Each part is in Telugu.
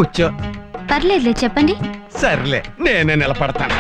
కూర్చో. పర్లేదులే, చెప్పండి. సర్లే, నేనే నిలబడతాను.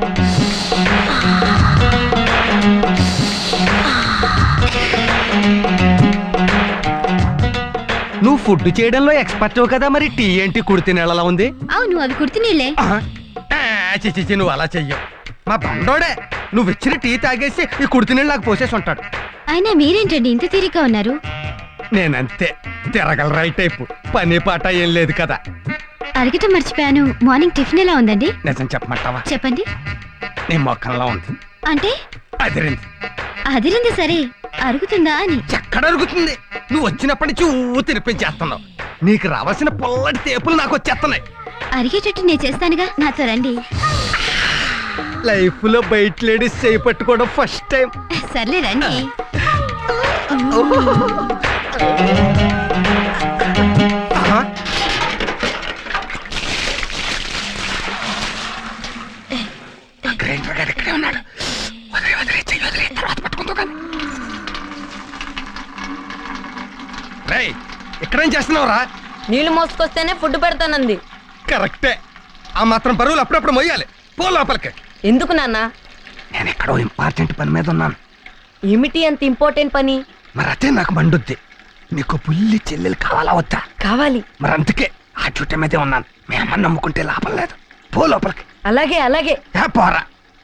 నువ్వు ఫుడ్ చేయడంలో ఎక్స్పర్ట్ కదా, మరి టీ ఏంటి కుడితి నీళ్ళలా ఉంది? అవును, అవి కుర్తి నీళ్ళే. చిచి, నువ్వు అలా చెయ్యవు. మా బండోడే నువ్వు ఇచ్చిన టీ తాగేసి ఈ కుడితి నీళ్ళు నాకు పోసేసి ఉంటాడు. అయినా మీరేంటండి ఇంత తీరిగ్గా ఉన్నారు? నేనంతే, తిరగల రైట్ టైపు. పని పాట ఏం లేదు కదా. అడగటం మర్చిపోయాను, మార్నింగ్ టిఫిన్ ఎలా ఉందండి? నిజం చెప్పమంటావా? చెప్పండి. నీ మొక్కల్లో ఉంది. అంటే అదిరింది. అదిరింది సరే, అరుగుతుందా అని. ఎక్కడ అరుగుతుంది? నువ్వు వచ్చినప్పటి నుంచి ఊ తినిపించేస్తున్నావు. నీకు రావాల్సిన పొల్లటి తేపులు నాకు వచ్చేస్తున్నాయి. అరిగేటట్టు నేను చేస్తానుగా, నాతో రండి. లైఫ్ లో బయట లేడీస్ చేయి పట్టుకోవడం ఫస్ట్ టైం. సర్లే రండి. ఇక్కడే ఉన్నాడు. తర్వాత పట్టుకుంటూ కానీ. రేయ్, ఇక్కడేం చేస్తున్నావురా? నీళ్లు మోసుకొస్తేనే ఫుడ్ పెడతానంది. కరెక్టే. ఆ మాత్రం బరువులు అప్పుడప్పుడు మొయ్యాలి. పో లోపలికి. ఎందుకు నాన్న? నేను ఎక్కడో ఇంపార్టెంట్ పని మీద ఉన్నాను. ఏమిటి అంత ఇంపార్టెంట్ పని? మరి అదే నాకు మండుద్ది. నీకు పుల్లి చెల్లెలు కావాలా వద్దా? కావాలి. మరి అందుకే ఆ చుట్ట మీదే ఉన్నాను. మీ అమ్మని నమ్ముకుంటే లాభం లేదు. పో లోపలికి. అలాగే అలాగే. పోరా.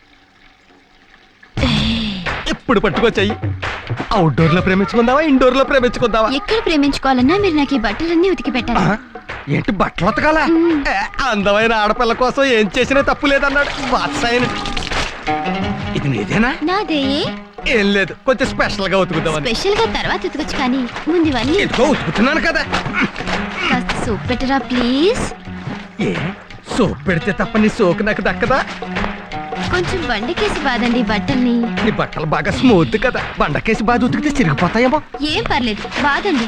ఎప్పుడు పట్టుకోచెయ్యి. అవుట్డోర్ లో ప్రేమించుకుందావా, ఇండోర్ లో ప్రేమించుకుందావా? ఎక్కడ ప్రేమించుకోవాలన్నా మీరు నాకు ఈ బట్టలన్నీ ఉతికి పెట్టాలి. ఏంటి బట్టలు ఉతకాలా? అందమైన ఆడపిల్ల కోసం ఏం చేసినా తప్పు లేదన్నాడు వాత్సాయన. ఇది నీదేనా? నాదే. ఏం లేదు, కొంచెం స్పెషల్ గా ఉతుకుదామని. స్పెషల్ గా తర్వాత ఉతకొచ్చు, కానీ ముందు ఇవన్నీ. ఎందుకో ఉతుకుతున్నాను కదా. కాస్త సోప్ పెట్టరా ప్లీజ్. ఏ సోప్ పెడితే తప్ప నీ సోకు నాకు దక్కదా? కొంచెం బండకేసి బాదండి బట్టల్ని. నీ బట్టలు బాగా స్మూత్ కదా, బండకేసి బాగా ఉతికితే చిరిగిపోతాయేమో. ఏం పర్లేదు, బాదండి.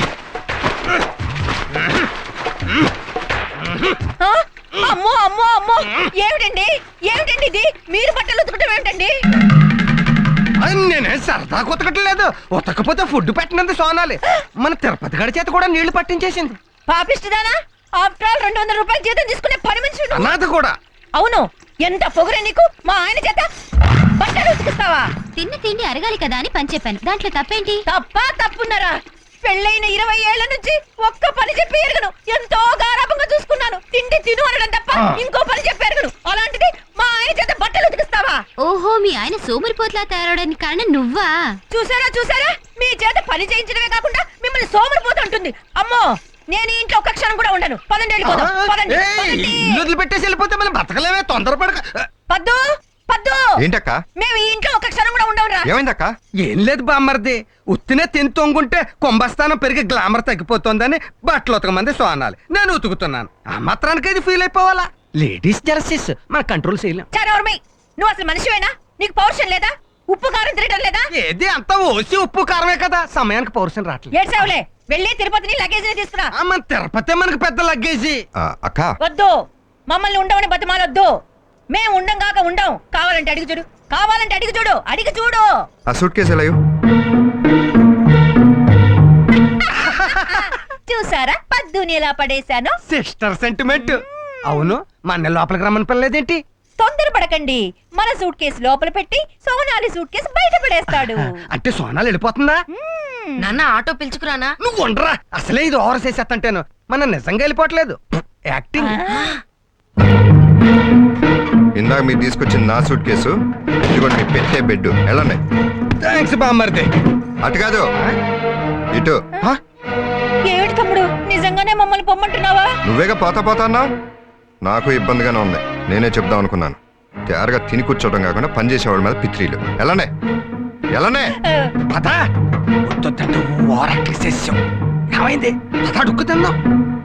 అమ్మో అమ్మో అమ్మో, ఏమిటండి ఏమిటండి ఇది? మీరు బట్టలు ఉతకటం ఏమిటండి? నేనే సరదా ఉతకట్లేదు. ఉతకపోతే ఫుడ్ పెట్టినంత సోనాలి. మన తిరుపతి గడి చేత కూడా నీళ్లు పట్టించేసింది. పాపిస్తుందానా? ఆఫ్టర్ ఆల్ 200 రూపాయలు జీతం తీసుకునే పని మనిషి. అనాథ కూడా. అవును, ఎంత పొగరే నీకు? మా ఆయన చేత బట్టలు ఉతికిస్తావా? తిన్న తిండి అరగాలి కదా అని పని చెప్పాను, దాంట్లో తప్పేంటి? తప్పున్నారా? పెళ్ళైన 20 ఏళ్ల నుంచి ఒక్క పని చెప్పి ఎరగను. ఎంతో గారాభంగా చూసుకున్నాను. తిండి తిను అనడం తప్ప ఇంకో పని చెప్పి ఎరగను. అలాంటిది మా ఆయన చేత బట్టలు ఉతికిస్తావా? ఓహో, మీ ఆయన సోమరిపోట్లా తయారవడానికి కారణం నువ్వా? చూసారా, మీ చేత పని చేయించడమే కాకుండా మిమ్మల్ని సోమరిపోతు అంటుంది. అమ్మో, నేను ఇంట్లో ఒక్క క్షణం కూడా ఉండను. పదండి, వెళ్ళిపోదాం. పదండి. ఇల్లు పెట్టేసి వెళ్ళిపోతే మనం బతకలేమే. తొందరపడక. పద్దు ఏంటక్క? మేము ఈ ఇంట్లో ఒక్క క్షణం కూడా ఉండవురా. ఏమైందక్క? ఏం లేదు బామ్మర్ది, ఉత్తినే తిని తొంగుంటే కుంభస్థానం పెరిగి గ్లామర్ తగ్గిపోతుందని బట్టలు ఉతకమంది సోనాలి. నేను ఉతుకుతున్నాను. ఆ మాత్రానికి ఇది ఫీల్ అయిపోవాలా? లేడీస్ జెలసీస్ మన కంట్రోల్ చేయలేం. చారవర్మి, నువ్వు అసలు మనిషివేనా? నీకు పౌరుషం లేదా? ఉప్పు కారం తినడం లేదా? ఏది అంతా ఓసి ఉప్పు కారమే కదా, సమయానికి పౌరుషం రావట్లేదు. ఏడ్చావులే, వెళ్ళి తిరుపతిని లగేజ్ తీసుకురా. మన తిరుపతి మనకి పెద్ద లగ్గేజీ. అక్క వద్దు, మమ్మల్ని ఉండవని బతిమాలొద్దు. మేము ఉండం కాక ఉండం. కావాలంటే అడిగి చూడు, అడిగి చూడు. ఆ సూట్ కేసు ఎలా? చూసారా పద్దుని ఎలా పడేశాను? Sister sentiment. అవును, మన లోపలికి రమ్మని పిల్లలేదేంటి? తొందరపడకండి, మన సూట్ కేసు లోపల పెట్టి సోనాలి సూట్ కేసు బయట పడేస్తాడు. అంటే సోనాలు వెళ్ళిపోతుందా? నాన్న ఆటో పిలుచుకురానా? నువ్వు ఉండరా, అసలే ఇది ఓవర్ చేసేస్తంటేను. మన నిజంగా వెళ్ళిపోవట్లేదు, యాక్టింగ్. ఇందాక మీరు తీసుకొచ్చిన నా సూట్ కేసు, ఇదిగోండి మీ పెట్టే బెడ్. వెళ్ళండి. థ్యాంక్స్ బామ్మర్ది. అటు కాదు, ఇటు. ఏమిటి తమ్ముడు, నిజంగానే మమ్మల్ని పొమ్మంటున్నావా? నువ్వేగా పోతా అన్నావు. నాకు ఇబ్బందిగానే ఉంది. నేనే చెప్దాం అనుకున్నాను. తయారుగా తిని కూర్చోవడం కాకుండా పని చేసేవాళ్ళ మీద పిత్రీలు. వెళ్ళండి. పదా వద్దంటే ఓవరాక్టింగ్ చేసావు. ఏమైంది? పదా అడుక్కు తిందాం.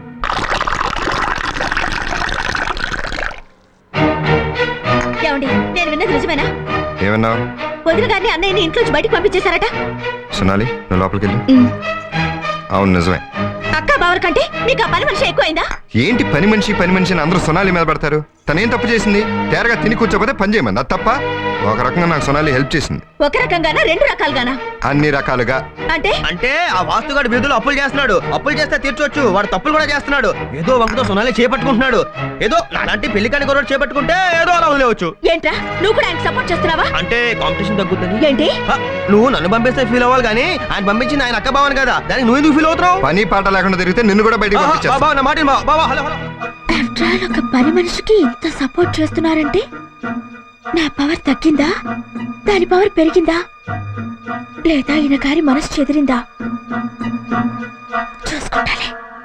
ఏమండి, నేను విన్నది నిజమేనా? ఏమన్నావు? వదిన గారిని అన్నయ్యని ఇంట్లోంచి బయటకు పంపించేశారట. సునాలి, నువ్వు లోపలికి వెళ్ళు. అవును, నిజమే. అక్క బావర్ కంటే మీకు ఆ పని మనిషి ఎక్కువైందా? ఏంటి పని మనిషి అని అందరూ సునాలి మీద పడతారు? తనేం తప్పు చేసింది? తేరగా తిని కూర్చోపోతే పని చేయమంది, అది తప్ప? ఒక రకంగా నాకు సొనాలి హెల్ప్ చేసింది. ఒక రకంగానా రెండు రకాలుగానా? అన్ని రకాలుగా. అంటే అంటే ఆ వాస్తుగాడు వీధులు అప్పులు చేస్తున్నాడు. అప్పులు చేస్తే తీర్చొచ్చు, వాడు తప్పులు కూడా చేస్తున్నాడు. ఏదో వంకతో సొనాలి చేపట్టుకుంటున్నాడు. ఏదో నాలాంటి పెళ్లి కాని గొడవ చేపట్టుకుంటే ఏదో అలా వదిలేవచ్చు. ఏంట్రా నువ్వు కూడా ఆయన సపోర్ట్ చేస్తున్నావా? అంటే కాంపిటీషన్ తగ్గుద్దని. ఏంటి నువ్వు నన్ను పంపిస్తే ఫీల్ అవ్వాలి కానీ ఆయన పంపించింది ఆయన అక్క బావని కదా, దానికి నువ్వు ఎందుకు ఫీల్ అవుతున్నావు? పని పాట లేకుండా తిరిగితే నిన్ను కూడా బయటికి పంపించేస్తా. బాబా నా మాట విను, బాబా హలో హలో. ఆఫ్టర్ ఆల్ ఒక పని మనిషికి ఇంత సపోర్ట్ చేస్తున్నారంటే నా పవర్ తగ్గిందా, దాని పవర్ పెరిగిందా, లేదా ఈయన గారి మనసు చెదిరిందా చూసుకుంటాలే.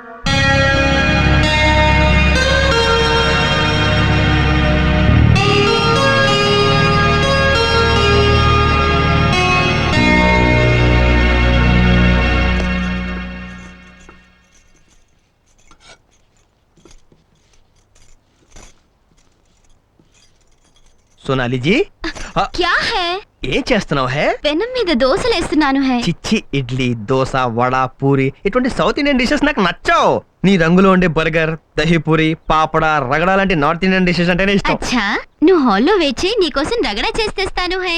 సోనాలి జీ క్యా హై? ఏం చేస్తున్నావు హే? పెనం మీద దోశలేస్తున్నాను హై. చిచ్చి ఇడ్లీ, దోశ, వడ, పూరి ఇటువంటి సౌత్ ఇండియన్ డిషెస్ నాకు నచ్చావు. నీ రంగులో ఉండే బర్గర్, దహీపూరి, పాపడ, రగడ లాంటి నార్త్ ఇండియన్ డిషెస్ అంటేనే ఇష్టం. అచ్చా, నువ్వు హాల్లో వేచి నీకోసం రగడ చేస్తేస్తాను హై.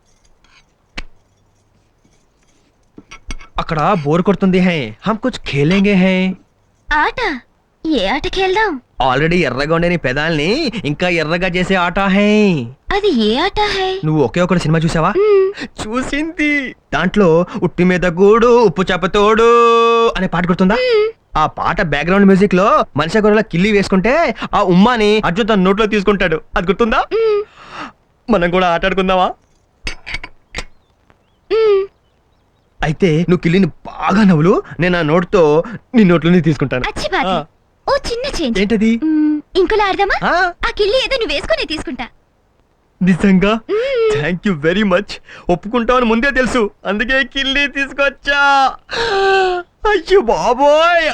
అక్కడ బోర్ కొడుతుంది హై, హమ్ కుచ్ ఖేలేంగే హై. ఆట? ఏ ఆటకి వెళ్దాం? ఆల్రెడీ ఎర్రగా ఉండే నీ పెదాల్ని ఇంకా ఎర్రగా చేసే ఆట హై. అది ఏ ఆట హై? నువ్వు ఒకే ఒక సినిమా చూసావా? చూసింది. దాంట్లో ఉట్టి మీద గూడు ఉప్పు చేపతోడు అనే పాట గుర్తుందా? ఆ పాట బ్యాక్గ్రౌండ్ మ్యూజిక్ లో మనిషి గొర్రెల కిల్లి వేసుకుంటే ఆ ఉమ్మాని అర్జున్ తన నోట్లో తీసుకుంటాడు. అది గుర్తుందా? మనం కూడా ఆటాడుకుందామా? అయితే నువ్వు కిల్లిని బాగా నవ్వులు, నేను ఆ నోట్తో నీ నోట్లోనే తీసుకుంటాను. అచ్చి బాధ. ఓ చిన్న చేంజ్. ఏంటది? ఇంకోలా ఆడదామా? ఆ, ఆ కిల్లి ఏదో నువ్వు వేసుకునే తీసుకుంటా. నిజంగా? Thank you very much. ఒప్పుకుంటామని ముందే తెలుసు, అందుకే కిల్లి తీసుకొచ్చా. అయ్యో బాబోయ్.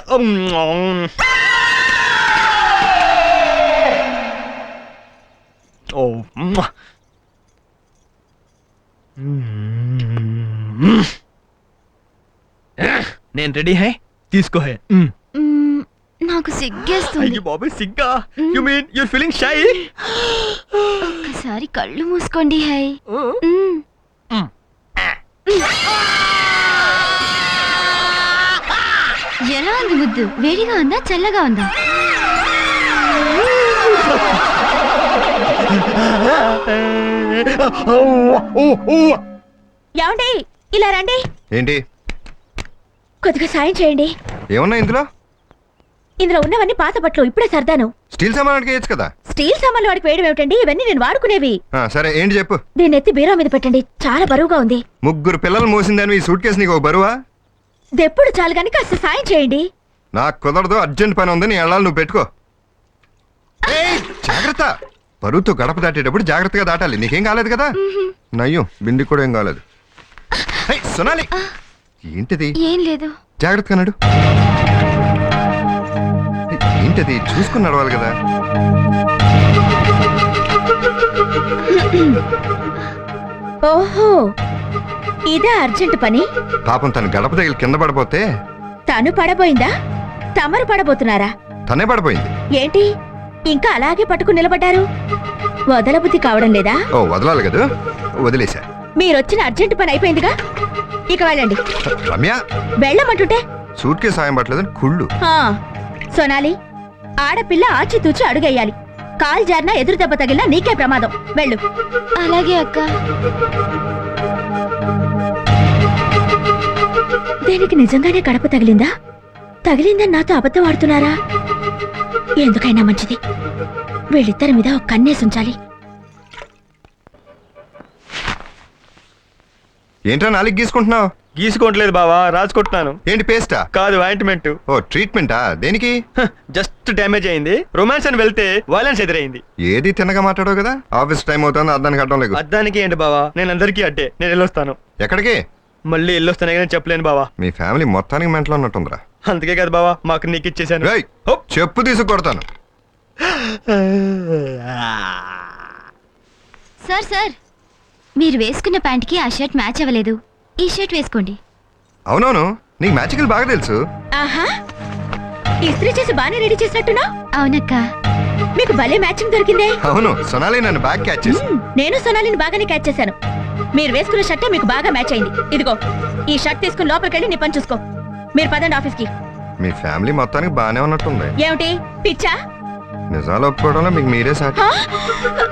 ఓ నేను రెడీ హై, తీసుకో హై. నాకు సిగ్గేస్తుంది. అయ్యో బాబోయ్ సిగ్గా? You mean your feeling shy? ఒక్కసారి కళ్ళు మూసుకోండి హై. ఎలా ఉంది ముద్దు? వేడిగా ఉందా చల్లగా ఉందా? ఏమండి ఇలా రండి, ఏంటి? కొద్దిగా సాయం చేయండి. ఏమన్నా ఇందులో? ఇందులో ఉన్నవన్నీ పాత బట్టలు, ఇప్పుడే సర్దాను. స్టీల్ సామాన్కి వేయచ్చు కదా. స్టీల్ సామాన్లు వాడికి వేయడం ఏమిటండి? ఇవన్నీ నేను వాడుకునేవి. సరే ఏంటి చెప్పు. దీన్ని ఎత్తి బీరో మీద పెట్టండి, చాలా బరువుగా ఉంది. ముగ్గురు పిల్లలు మోసిందని ఈ సూట్ కేసు నీకు ఒక బరువా? దెప్పుడు చాలు గాని కాస్త సాయం చేయండి. నాకు కుదరదు, అర్జెంట్ పని ఉంది, నీ వెళ్ళాలి, నువ్వు పెట్టుకో. ఏయ్, జాగ్రత్త. బరువుతో గడప దాటేటప్పుడు జాగ్రత్తగా దాటాలి. నీకేం కాలేదు కదా? నయ్యం, బింది కూడా ఏం కాలేదు. ఏయ్, సొనాలి, ఏంటిది? ఏం లేదు. జాగ్రత్తగా నడు. ఏంటది? చూసుకుని నడవాలి కదా. ఓహో, ఇదే అర్జెంట్ పని. పాపం తను గడప తగిలి కింద పడిపోతే. తను పడబోయిందా? తమరు పడబోతున్నారా? తనే పడిపోయింది. ఏంటి ఇంకా అలాగే పట్టుకుని నిలబడ్డారు? వదలబుద్ధి కావడం లేదా? ఓ, వదలాలి కదా, వదిలేశా. మీరొచ్చిన అర్జెంట్ పని అయిపోయిందిగా, ఇక వెళ్ళండి. రమ్య, వెళ్ళమంటుంటే సూట్ కేసు సాయం పట్టలేదని కుళ్ళు. సోనాలి, ఆడపిల్ల ఆచితూచి అడుగేయాలి. కాలు జారినా ఎదురు దెబ్బ తగిలినా నీకే ప్రమాదం. వెళ్ళు. అలాగే అక్క. దీనికి నిజంగానే గడప తగిలిందా? తగిలిందని నాతో అబద్ధం ఆడుతున్నారా? ఎందుకైనా మంచిది, వీళ్ళిద్దరి మీద ఒక కన్నేసి ఉంచాలి. ఏంట్రా నాలుగు గీసుకుంటున్నావు? గీసుకోవట్లేదు బావా, రాసుకుంటున్నాను. ఏంటి, పేస్టా? కాదు, ఆయింట్మెంట్. ఓ, ట్రీట్మెంటా? దేనికి? జస్ట్ డ్యామేజ్ అయింది. రొమాన్స్ అని వెళ్తే వైలెన్స్ ఎదురైంది. ఏది తిన్నగా మాట్లాడవు కదా. ఆఫీస్ టైం అవుతుంది, అర్థానికి అడ్డం లేదు. అద్దానికి ఏంటి బావా, నేను అందరికీ అడ్డే. నేను వెళ్ళొస్తాను. ఎక్కడికి? మళ్ళీ వెళ్ళొస్తానే కానీ చెప్పలేను బావా. మీ ఫ్యామిలీ మొత్తానికి మెంటలో ఉన్నట్టుందిరా. అందుకే కదా బావా మాకు నీకు ఇచ్చేసాను. రేయ్, చెప్పు తీసుకొడతాను. సార్ సార్, మీరు వేసుకున్న ప్యాంట్కి ఆ షర్ట్ మ్యాచ్ అవ్వలేదు. ఈ షర్ట్ వేసుకోండి. అవునవును, నీకు మ్యాజికల్ బాగా తెలుసు. ఆహా, ఇస్త్రీ చేసి బాగానే రెడీ చేసినట్టున్నా. అవునక్క. మీకు భలే మ్యాచింగ్ దొరికిందే. అవును, సొనాలి నన్ను బాగా క్యాచ్ చేసి. నేను సొనాలిని బాగానే క్యాచ్ చేశాను. మీరు వేసుకున్న షర్టే మీకు బాగా మ్యాచ్ అయింది. ఇదిగో ఈ షర్ట్ తీసుకుని లోపలికి వెళ్ళి నీ పని చూసుకో. మీరు పదండి ఆఫీస్కి. మీ ఫ్యామిలీ మొత్తానికి బానే ఉన్నట్టుంది. ఏమిటి పిచ్చా? నిజాలు ఒప్పుకోవడంలో మీకు మీరే సాటి. హా?